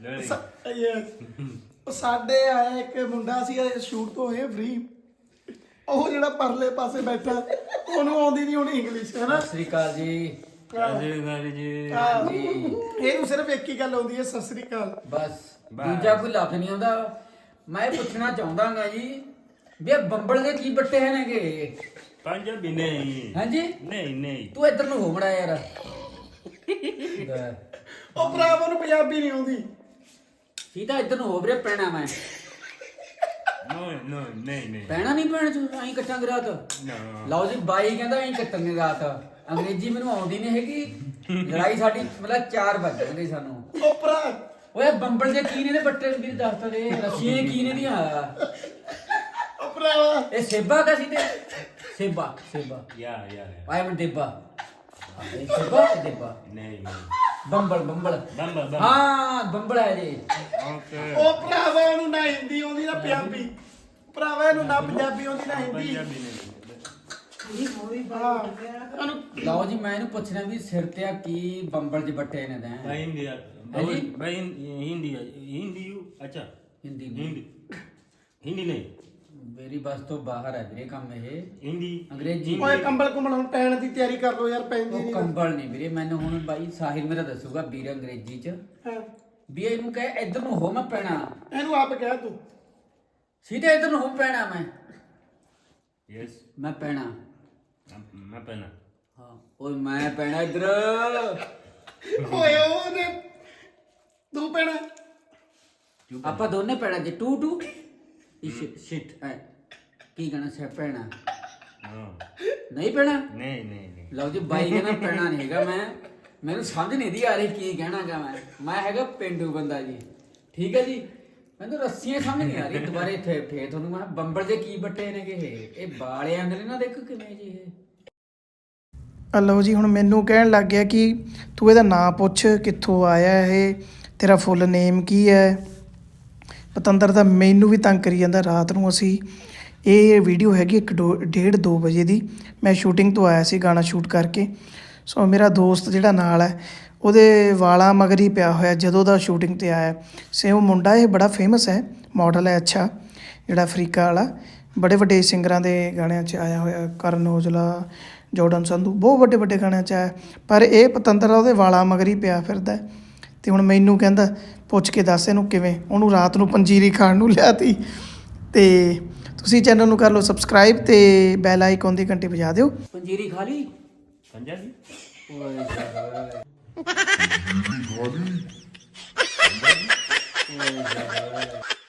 ਸਾਡੇ ਆਇਆ ਇੱਕ ਮੁੰਡਾ ਸੀ ਸ਼ੂਟ ਤੋਂ ਹੋਏ ਫ੍ਰੀ। ਉਹ ਜਿਹੜਾ ਪਰਲੇ ਪਾਸੇ ਬੈਠਾ ਉਹਨੂੰ ਆਉਂਦੀ ਨਹੀਂ ਹੁਣ ਇੰਗਲਿਸ਼, ਹੈ ਨਾ। ਸਤਿ ਸ੍ਰੀ ਅਕਾਲ ਜੀ। ਇਹਨੂੰ ਸਿਰਫ ਇੱਕ ਹੀ ਗੱਲ ਆਉਂਦੀ ਹੈ, ਸਤਿ ਸ੍ਰੀ ਅਕਾਲ ਬਸ, ਦੂਜਾ ਕੋਈ ਲਫ਼ਜ਼ ਨਹੀਂ ਆਉਂਦਾ। ਮੈਂ ਇਹ ਪੁੱਛਣਾ ਚਾਹੁੰਦਾਗਾ ਜੀ ਵੀ ਇਹ ਬੰਬਲ ਦੇ ਕੀ ਬੱਟੇ ਨੇਗੇ? ਪੰਜਾਬੀ ਨਹੀਂ। ਹਾਂਜੀ ਨਹੀਂ ਤੂੰ ਇੱਧਰ ਨੂੰ ਹੋ ਬੜਾ ਯਾਰ। ਉਹ ਭਰਾਵਾਂ ਨੂੰ ਪੰਜਾਬੀ ਨਹੀਂ ਆਉਂਦੀ। ਸੀਧਾ ਇੱਧਰ ਨੂੰ ਹੋ ਵੀਰੇ, ਪੈਣਾ ਮੈਂ ਨਹੀਂ ਪੈਣਾ ਨਹੀਂ ਪੈਣਾ ਤੂੰ ਐਂ ਕੱਟਾਂਗੇ ਰਾਤ। ਲਓ ਜੀ ਬਾਈ ਕਹਿੰਦਾ ਐਂ ਕੱਟਾਂਗੇ ਰਾਤ। ਅੰਗਰੇਜ਼ੀ ਮੈਨੂੰ ਆਉਂਦੀ ਨਹੀਂ ਹੈਗੀ। ਲੜਾਈ ਸਾਡੀ ਮਤਲਬ 4 ਵਜਣਗੇ ਸਾਨੂੰ। ਉਹ ਭਰਾ ਓਏ ਬੰਬਲ ਦੇ ਕੀ ਨੇ ਦੇ ਬੱਟੇ ਵੀਰ ਦੱਸ ਤਾ ਦੇ। ਰੱਸੀਆਂ ਕੀ ਨੇ ਦੀਆਂ? ਉਹ ਭਰਾਵਾ ਇਹ ਸੇਬਾ ਦਾ ਸੀ ਤੇ ਸੇਬਾ ਯਾ ਆਇਆ ਮੈਂ ਦੇਬਾ। ਇਹ ਸੇਬਾ ਤੇ ਦੇਬਾ ਨਹੀਂ ਬੰਬਲ ਹਾਂ ਬੰਬਲ ਹੈ ਜੀ। ਓਕੇ ਉਹ ਭਰਾਵਾ ਉਹਨੂੰ ਨਾ ਹਿੰਦੀ ਆਉਂਦੀ ਨਾ ਪੰਜਾਬੀ। ਭਰਾਵਾ ਇਹਨੂੰ ਨਾ ਪੰਜਾਬੀ ਆਉਂਦੀ ਨਾ ਹਿੰਦੀ। ਲਓ ਜੀ ਮੈਂ ਇਹਨੂੰ ਪੁੱਛਣਾ ਵੀ ਸਿਰ ਤੇ ਆ ਕੀ ਬੰਬਲ ਚ ਬੱਟੇ ਨੇ ਦਾ हिंदी भाई हिंदी अच्छा ਹਿੰਦੀ हिंदी नहीं ਮੇਰੀ ਬਸ ਤੋਂ ਬਾਹਰ ਹੈ ਵੀਰੇ ਕੰਮ ਇਹ। हिंदी ਅੰਗਰੇਜ਼ੀ ਓਏ ਕੰਬਲ ਕੁੰਬਲ ਹੁਣ ਪੈਣ ਦੀ ਤਿਆਰੀ ਕਰ ਲੋ ਯਾਰ, ਪੈਂਦੀ ਉਹ ਨਹੀਂ। ਕੰਬਲ ਨਹੀਂ ਵੀਰੇ, ਮੈਨੂੰ ਹੁਣ ਬਾਈ ਸਾਹਿਲ ਮੇਰਾ ਦੱਸੂਗਾ ਵੀਰ ਅੰਗਰੇਜ਼ੀ ਚ ਵੀ ਇਹਨੂੰ ਕਹੇ ਇੱਧਰ ਨੂੰ ਹੋ ਮੈਂ ਪੈਣਾ। ਇਹਨੂੰ ਆਪ ਕਹਿ ਤੂੰ। ਸਿੱਧੇ ਇੱਧਰ ਨੂੰ ਹੋ ਪੈਣਾ यस ਮੈਂ ਪੈਣਾ। मैं पहना ਹਾਂ ਓਏ ਮੈਂ ਪੈਣਾ ਇੱਧਰ। ਓਏ ਉਹਨੇ ਤੂੰ ਪੈਣਾ। ਆਪਾਂ ਦੋਨੇ ਪੈਣਾ ਜੇ ਟੂ ਸ਼ਿਟ ਕੀ ਕਹਿਣਾ ਸੇ ਪੈਣਾ ਨਹੀਂ ਪੈਣਾ। नहीं ਲਓ ਜੀ ਬਾਈ ਕਹਿੰਦਾ ਪੈਣਾ ਨਹੀਂ ਹੈਗਾ। ਮੈਨੂੰ ਸਮਝ ਨਹੀਂ ਦੀ ਆ ਰਹੀ ਕੀ ਕਹਿਣਾਗਾ। ਮੈਂ ਹੈਗਾ ਪਿੰਡੂ ਬੰਦਾ ਜੀ, ਠੀਕ ਹੈ ਜੀ। ਮੈਨੂੰ ਰੱਸੀਆਂ ਸਮਝ ਨਹੀਂ ਆ ਰਹੀ। ਦੁਬਾਰੇ ਫੇਰ ਤੁਹਾਨੂੰ ਮੈਂ ਬੰਬਲ ਦੇ ਕੀ ਬੱਟੇ ਨੇਗੇ ਇਹ ਬਾਲੇ ਆਂਦੇ ਨੇ ਨਾ, ਦੇਖੋ ਕਿਵੇਂ ਜੀ ਇਹ। ਲਓ ਜੀ ਹੁਣ ਮੈਨੂੰ ਕਹਿਣ ਲੱਗ ਗਿਆ ਕਿ ਤੂੰ ਇਹਦਾ ਨਾਂ ਪੁੱਛ, ਕਿੱਥੋਂ ਆਇਆ ਇਹ, ਤੇਰਾ ਫੁੱਲ ਨੇਮ ਕੀ ਹੈ। ਪਤੰਦਰ ਤਾਂ ਮੈਨੂੰ ਵੀ ਤੰਗ ਕਰੀ ਜਾਂਦਾ। ਰਾਤ ਨੂੰ ਅਸੀਂ ਇਹ ਵੀਡੀਓ ਹੈਗੀ 1:30-2 ਵਜੇ ਦੀ। ਮੈਂ ਸ਼ੂਟਿੰਗ ਤੋਂ ਆਇਆ ਸੀ ਗਾਣਾ ਸ਼ੂਟ ਕਰਕੇ। ਸੋ ਮੇਰਾ ਦੋਸਤ ਜਿਹੜਾ ਨਾਲ ਹੈ ਉਹਦੇ ਵਾਲਾਂ ਮਗਰ ਹੀ ਪਿਆ ਹੋਇਆ ਜਦੋਂ ਦਾ ਸ਼ੂਟਿੰਗ ਤੇ ਆਇਆ। ਸੇਮ ਮੁੰਡਾ ਇਹ ਬੜਾ ਫੇਮਸ ਹੈ, ਮਾਡਲ ਹੈ ਅੱਛਾ, ਜਿਹੜਾ ਅਫਰੀਕਾ ਵਾਲਾ। ਬੜੇ ਵੱਡੇ ਸਿੰਗਰਾਂ ਦੇ ਗਾਣਿਆਂ 'ਚ ਆਇਆ ਹੋਇਆ, ਕਰਨ ਔਜਲਾ, ਜੋਰਡਨ ਸੰਧੂ, ਬਹੁਤ ਵੱਡੇ ਗਾਣਿਆਂ 'ਚ ਆਇਆ। ਪਰ ਇਹ ਪਤੰਦਰ ਉਹਦੇ ਵਾਲਾਂ ਮਗਰ ਹੀ ਪਿਆ ਫਿਰਦਾ। ਤੇ ਹੁਣ ਮੈਨੂੰ ਕਹਿੰਦਾ ਪੁੱਛ ਕੇ ਦੱਸ ਇਹਨੂੰ ਕਿਵੇਂ। ਉਹਨੂੰ ਰਾਤ ਨੂੰ ਪੰਜੀਰੀ ਖਾਣ ਨੂੰ ਲਿਆਤੀ। ਤੇ ਤੁਸੀਂ ਚੈਨਲ ਨੂੰ ਕਰ ਲਓ ਸਬਸਕ੍ਰਾਈਬ ਤੇ ਬੈਲ ਆਈਕਨ ਦੀ ਘੰਟੀ ਵਜਾ ਦਿਓ। ਪੰਜੀਰੀ ਖਾ ਲਈ पंजाबी ਓਏ